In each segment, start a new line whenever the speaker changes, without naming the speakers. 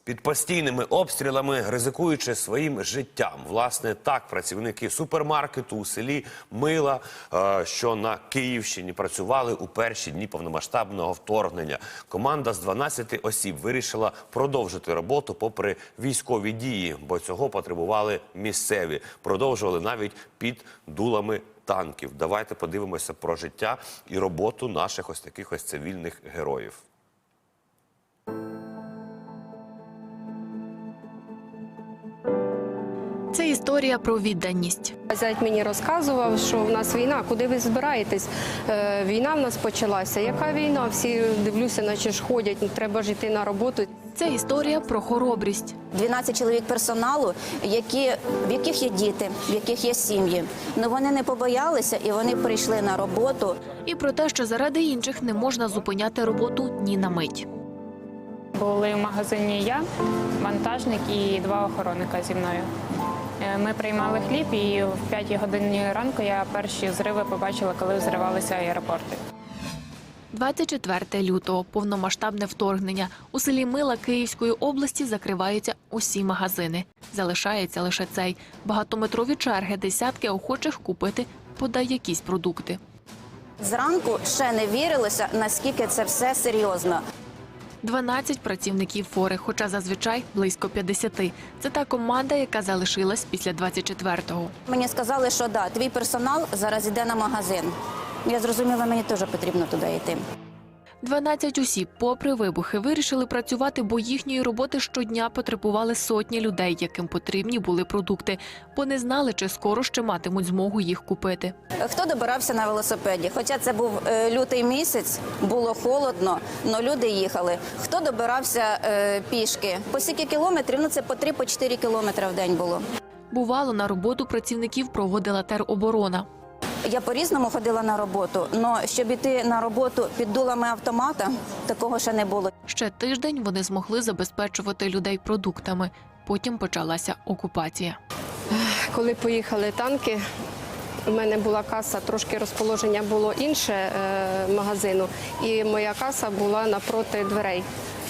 Під постійними обстрілами, ризикуючи своїм життям. Власне, так працівники супермаркету у селі Мила, що на Київщині, працювали у перші дні повномасштабного вторгнення. Команда з 12 осіб вирішила продовжити роботу попри військові дії, бо цього потребували місцеві. Продовжували навіть під дулами танків. Давайте подивимося про життя і роботу наших ось таких ось цивільних героїв.
Це історія про відданість.
Зять мені розказував, що в нас війна, куди ви збираєтесь? Війна в нас почалася. Яка війна? Всі, дивлюся, наче ж ходять, треба ж йти на роботу.
Це історія про хоробрість.
12 чоловік персоналу, в яких є діти, в яких є сім'ї. Но вони не побоялися і вони прийшли на роботу.
І про те, що заради інших не можна зупиняти роботу ні на мить.
Були в магазині я, вантажник і 2 охоронника зі мною. Ми приймали хліб, і в 5 годині ранку я перші зриви побачила, коли взривалися аеропорти.
24 лютого – повномасштабне вторгнення. У селі Мила Київської області закриваються усі магазини. Залишається лише цей. Багатометрові черги, десятки охочих купити подай якісь продукти.
Зранку ще не вірилося, наскільки це все серйозно.
12 працівників фори, хоча зазвичай близько 50. Це та команда, яка залишилась після 24-го.
Мені сказали, що да, твій персонал зараз йде на магазин. Я зрозуміла, мені теж потрібно туди йти.
12 осіб, попри вибухи, вирішили працювати, бо їхньої роботи щодня потребували сотні людей, яким потрібні були продукти, бо не знали, чи скоро ще матимуть змогу їх купити.
Хто добирався на велосипеді? Хоча це був лютий місяць, було холодно, але люди їхали. Хто добирався пішки? По скільки кілометрів? Ну це по 3-4 кілометри в день було.
Бувало, на роботу працівників проводила тероборона.
Я по-різному ходила на роботу, але щоб іти на роботу під дулами автомата, такого ще не було.
Ще тиждень вони змогли забезпечувати людей продуктами. Потім почалася окупація.
Коли поїхали танки, у мене була каса, трошки розположення було інше магазину, і моя каса була напроти дверей.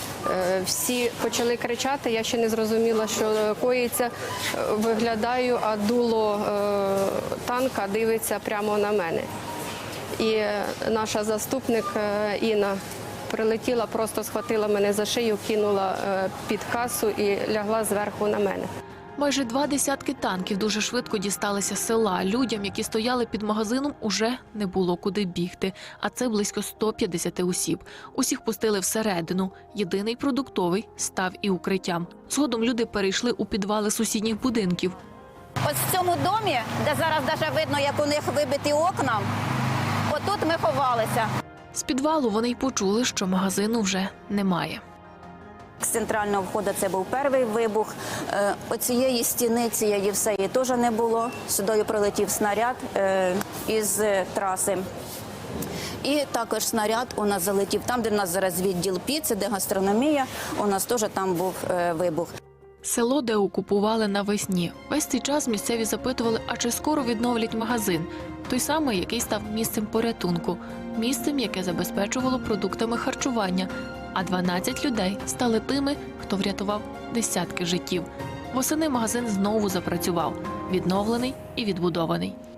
Всі почали кричати, я ще не зрозуміла, що коїться. Виглядаю, а дуло танка дивиться прямо на мене. І наша заступник Інна прилетіла, просто схватила мене за шию, кинула під касу і лягла зверху на мене.
Майже 2 десятки танків дуже швидко дісталися села. Людям, які стояли під магазином, уже не було куди бігти. А це близько 150 осіб. Усіх пустили всередину. Єдиний продуктовий став і укриттям. Згодом люди перейшли у підвали сусідніх будинків.
Ось в цьому домі, де зараз навіть видно, як у них вибиті окна, отут ми ховалися.
З підвалу вони й почули, що магазину вже немає.
З центрального входу це був перший вибух. Оцієї стіни, цієї всеї теж не було. Сюди прилетів снаряд із траси. І також снаряд у нас залетів там, де в нас зараз відділ піци, де гастрономія, у нас теж там був вибух.
Село, де окупували навесні. Весь цей час місцеві запитували, а чи скоро відновлять магазин. Той самий, який став місцем порятунку. Місцем, яке забезпечувало продуктами харчування. А 12 людей стали тими, хто врятував десятки життів. Восени магазин знову запрацював. Відновлений і відбудований.